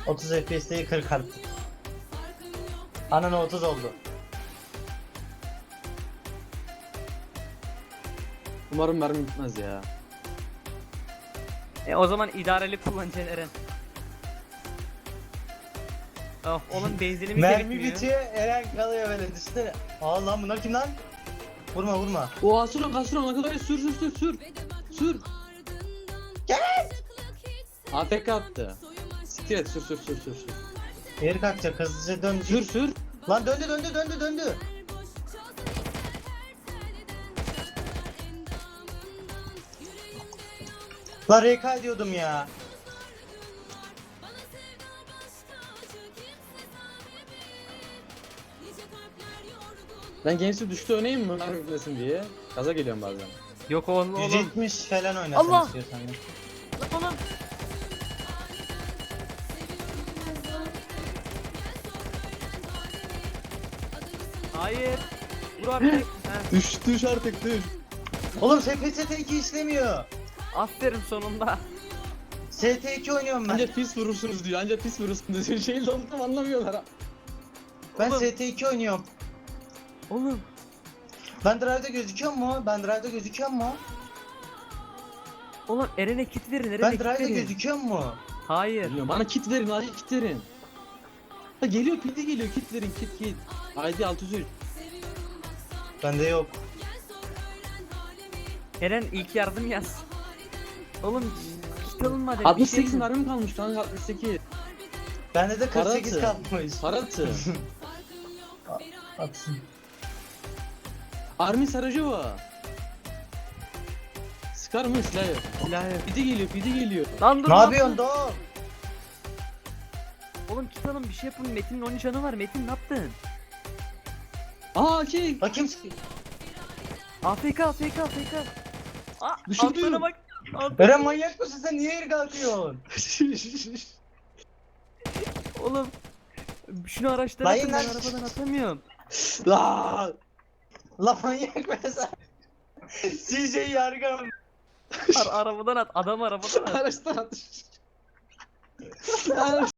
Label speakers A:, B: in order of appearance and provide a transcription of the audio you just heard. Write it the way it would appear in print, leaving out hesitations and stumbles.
A: 30 FPS değil 40 artık. Ananı 30 oldu.
B: Umarım mermi bitmez ya.
C: O zaman idareli kullanacaksın Eren. Oh, onun benzinimiz de
A: Mermi
C: bitmiyor.
A: bitiyor, Eren kalıyor böyle düşünsene. Aa lan bunlar kim lan? Vurma vurma.
B: O Asura ne kadar sür. Sür.
A: Gel.
B: AFK attı. Siktir et sür.
A: Geri kalkacak hızlıca dön.
B: Sür.
A: Lan döndü. Lan RK diyordum ya.
B: Ben gençsi düştü oynayayım mı? Mermi bitmesin diye. Gaza geliyorum bazen.
C: Yok oğlum.
A: 170 falan oynasın
C: Allah!
A: istiyorsan ya.
C: Oğlum. Hayır. Vur artık. Heh,
B: Düş artık düş.
A: Oğlum SPST2 işlemiyor.
C: aferin sonunda.
A: ST2 oynuyorum ben.
B: Anca pis vurursunuz diyor. Anca pis vurursunuz diyor. Şeyi oldum anlamıyorlar.
A: Ben
C: Oğlum.
A: ST2 oynuyorum.
C: Oğlum.
A: Ben drive'da gözüküyor mu?
C: Oğlum Eren'e kit verin. Eren'e
A: Ben
C: kit
A: drive'da
C: verin.
A: gözüküyor mu?
C: Hayır.
B: Bilmiyorum. Bana kit verin. Acil kit verin. Ha geliyor pide geliyor. Kit verin kit. ID 603.
A: Bende yok.
C: Eren ilk yardım yaz. Oğlum kit alınmadı.
B: 68 mermi kalmış kanka 68.
A: Bende de 48
B: Para
A: kalmış.
B: Paratı.
A: Atsın.
B: Armin Sarajova. Sıkar mı silahı?
C: Silah yok.
B: Pide geliyor.
C: Lan dur.
A: Ne
C: lan.
A: yapıyorsun Doğu?
C: Oğlum kit alın bir şey yapın. Metin'in 13 canı var. Metin ne yaptın?
B: Aa şey.
A: Bakayım.
C: AFK. Aa,
B: Düşürdü.
C: altlarına bak. Altlarına.
A: Eren manyak mısın sen? Niye yeri kalkıyorsun?
C: Oğlum. Şunu araçlara
A: Lan
C: atın. Ben
A: lan.
C: arabadan atamıyorum.
B: La.
A: La manyak mısın sen? CJ yargım.
C: Arabadan at. Adam arabadan at.
B: Araçtan atış.